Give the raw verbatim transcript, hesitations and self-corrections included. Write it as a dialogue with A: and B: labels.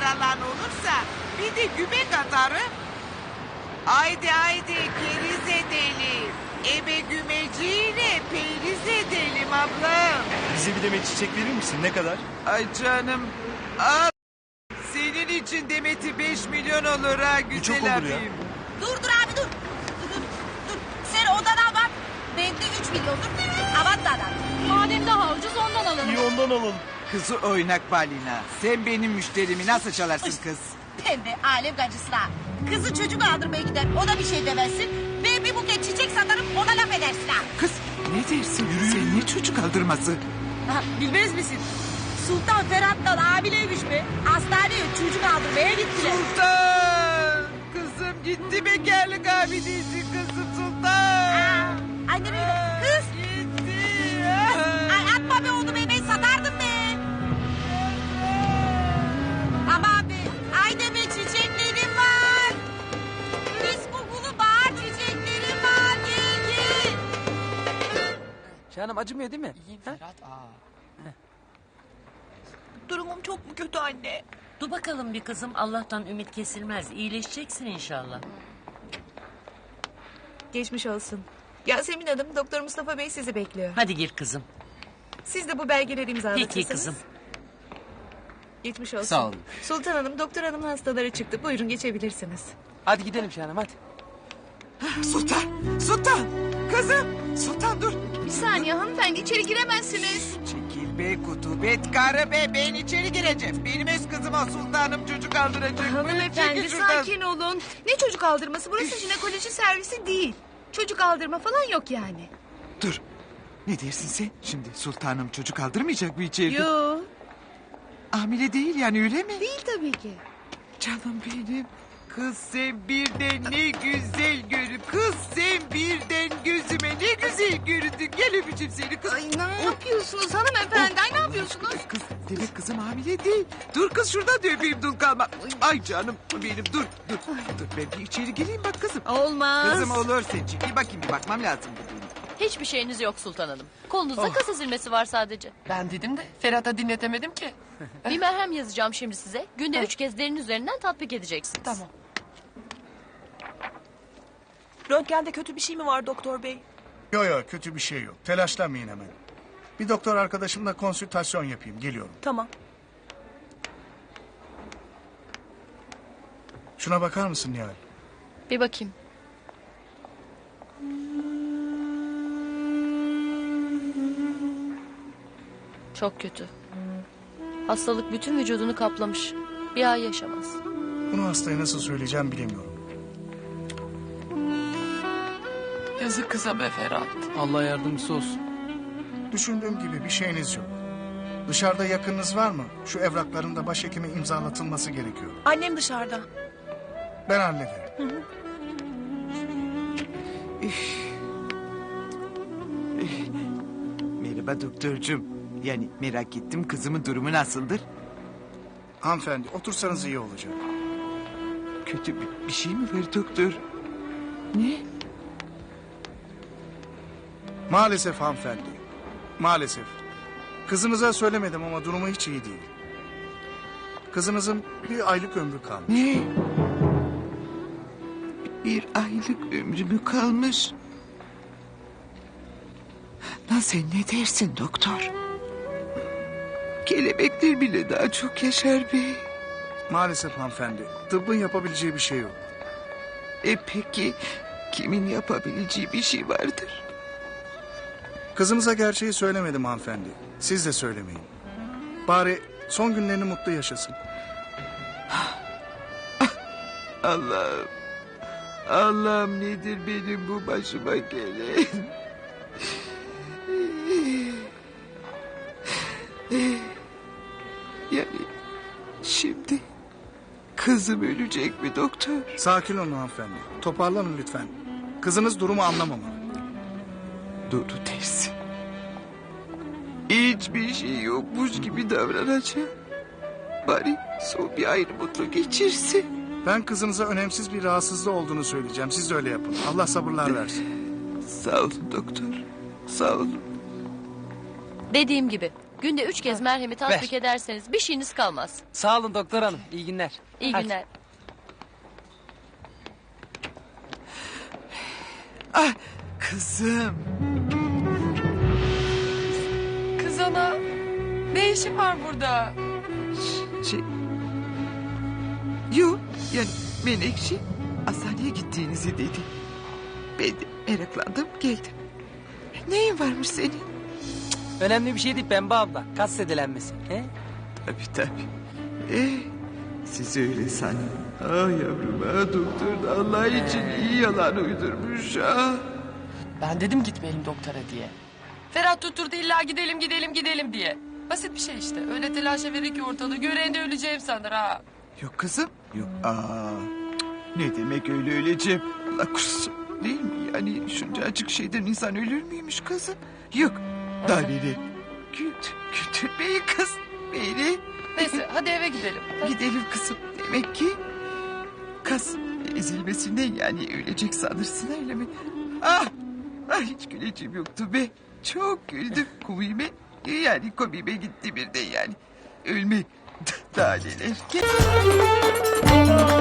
A: paralan olursa bir de gübek atarım. Haydi haydi keriz edelim. Ebe gümeciyle periz edelim ablam.
B: Bize bir demet çiçek verir misin? Ne kadar?
A: Ay canım al. Senin için demeti beş milyon olur ha güzel
B: çok olur ya.
A: abim.
C: Dur dur abi dur. Dur dur dur. Sen odana bak. Bende üç milyondur. Avat da adam.
D: Madem daha ucuz ondan alalım.
B: İyi ondan alalım.
A: Kızı oynak balina. Sen benim müşterimi nasıl çalarsın kız?
C: Pembe alem gacısına. Kızı çocuk aldırmaya gider. Ona bir şey demezsin. Ve bir buket çiçek satarım ona laf edersin ha.
A: Kız ne dersin? Sen ne çocuk aldırması?
C: Ha, bilmez misin? Sultan Ferhat'tan abileymiş be. Hastaneye çocuk aldırmaya gittiler.
A: Sultan! Kızım gitti bekarlık abidesi kızım Sultan.
C: Annem öyle. Kız.
A: Gitti.
C: Ay atma be onu be ben satardım be. Aman be. Ay deme çiçeklerim var. Mis kokulu bahar çiçeklerim var. Gel gel.
E: Canım acımıyor değil mi?
C: Durumum çok mu kötü anne?
F: Dur bakalım bir kızım, Allah'tan ümit kesilmez. İyileşeceksin inşallah.
G: Geçmiş olsun. Yasemin Hanım, Doktor Mustafa Bey sizi bekliyor.
F: Hadi gir kızım.
G: Siz de bu belgeleri imzalatırsanız.
F: Peki kızım.
G: Geçmiş olsun.
E: Sağ olun.
G: Sultan Hanım, Doktor Hanım'ın hastaları çıktı. Buyurun geçebilirsiniz.
E: Hadi gidelim canım hadi.
A: Sultan! Sultan! Kızım! Sultan dur!
G: Bir saniye hanımefendi, içeri giremezsiniz.
A: Çekil be kutubet karı be ben içeri gireceğim. Benim öz kızıma sultanım çocuk aldıracak.
G: Hanımefendi
A: Çekil şuradan.
G: sakin olun. Ne çocuk aldırması? Burası jinekoloji servisi değil. Çocuk aldırma falan yok yani.
A: Dur. Ne dersin sen? Şimdi sultanım çocuk aldırmayacak mı içeride?
G: Yo,
A: Hamile değil yani öyle mi?
G: değil tabii ki.
A: Canım benim. Kız sen birden ne güzel görün. Kız sen birden gözüme ne güzel göründün. Gel öpeceğim seni kız.
G: Ay ne yapıyorsunuz hanımefendi? Ay ne yapıyorsunuz?
A: Kız demek kızım hamile değil. Dur kız şuradan da öpeyim dul kalma. Ay canım benim dur dur. Dur ben bir içeri geleyim bak kızım.
G: Olmaz.
A: Kızım olur sen çekil bakayım bir bakmam lazım bu benim.
D: Hiçbir şeyiniz yok Sultan Hanım. Kolunuzda kas ezilmesi var sadece.
E: Ben dedim de Ferhat'a dinletemedim ki.
D: Bir merhem yazacağım şimdi size. Günde üç kez derin üzerinden tatbik edeceksiniz.
E: Tamam.
H: Röntgende kötü bir şey mi var doktor bey?
I: Yok yok kötü bir şey yok. Telaşlanmayın hemen. Bir doktor arkadaşımla konsültasyon yapayım. Geliyorum.
H: Tamam.
I: Şuna bakar mısın Nihal?
D: Bir bakayım. Çok kötü. Hastalık bütün vücudunu kaplamış. Bir ay yaşamaz.
I: Bunu hastaya nasıl söyleyeceğim bilemiyorum.
E: Yazık kıza be Ferhat. Allah yardımcısı olsun.
I: Düşündüğüm gibi bir şeyiniz yok. Dışarıda yakınınız var mı? Şu evrakların da başhekime imzalatılması gerekiyor.
H: Annem dışarıda.
I: Ben hallederim.
A: Merhaba doktorcum. Yani merak ettim kızımın durumu nasıldır?
I: Hanımefendi otursanız iyi olacak.
A: Kötü bir, bir şey mi var doktor? Ne?
I: Maalesef hanımefendi. Maalesef. Kızınıza söylemedim ama durumu hiç iyi değil. Kızınızın bir aylık ömrü kalmış.
A: Ne? Bir aylık ömrü mü kalmış? Lan sen ne dersin doktor? Kelebekler bile daha çok yaşar be.
I: Maalesef hanımefendi. Tıbbın yapabileceği bir şey yok.
A: E peki kimin yapabileceği bir şey vardır?
I: Kızınıza gerçeği söylemedim hanımefendi. Siz de söylemeyin. Bari son günlerini mutlu yaşasın.
A: Allah'ım. Allah'ım nedir benim bu başıma gelen? Yani şimdi kızım ölecek mi doktor?
I: Sakin olun hanımefendi. Toparlanın lütfen. Kızınız durumu anlamamalı.
A: Doğru dersin. Hiçbir şey yokmuş gibi davranacağım. Bari son bir ayrı mutlu geçirsin.
I: Ben kızınıza önemsiz bir rahatsızlığı olduğunu söyleyeceğim. Siz de öyle yapın. Allah sabırlar versin.
A: Sağ olun doktor. Sağ olun.
D: Dediğim gibi Günde üç kez merhemi tatbik ederseniz bir şeyiniz kalmaz.
J: Sağ olun doktor hanım. İyi günler.
D: İyi
J: Hadi.
D: günler.
A: Ah kızım.
H: Kız ana. Ne işin var burada?
A: Şey... Yok yani Menekşe hastaneye gittiğinizi dedi. Ben de meraklandım geldim. Neyin varmış senin?
J: Önemli bir şey değil Pembe abla. Kas zedelenmesi. He?
A: Tabii tabii. Eh, siz öyle sanın. Ah yavrum ah doktor da Allah için iyi yalan uydurmuş ah.
E: Ben dedim gitmeyelim doktora diye. Ferhat tutturdu illa gidelim gidelim gidelim diye. Basit bir şey işte. Öyle telaşa verir ki ortalığı. Gören de öleceğim sanır ha.
A: Yok kızım yok. Aa, ne demek öyle öleceğim? Allah korusun. Değil mi yani şuncacık şeyden insan ölür müymüş kızım? Yok daha neler. Güldür, güldür beni kız. Beni.
E: Neyse hadi eve gidelim.
A: Gidelim kızım. Demek ki kas ezilmesinden yani ölecek sanırsın öyle mi? Ah, ah hiç güleceğim yoktu be. Çok güldüm komime. Yani komime gitti bir de yani. Ölme. Daha neler.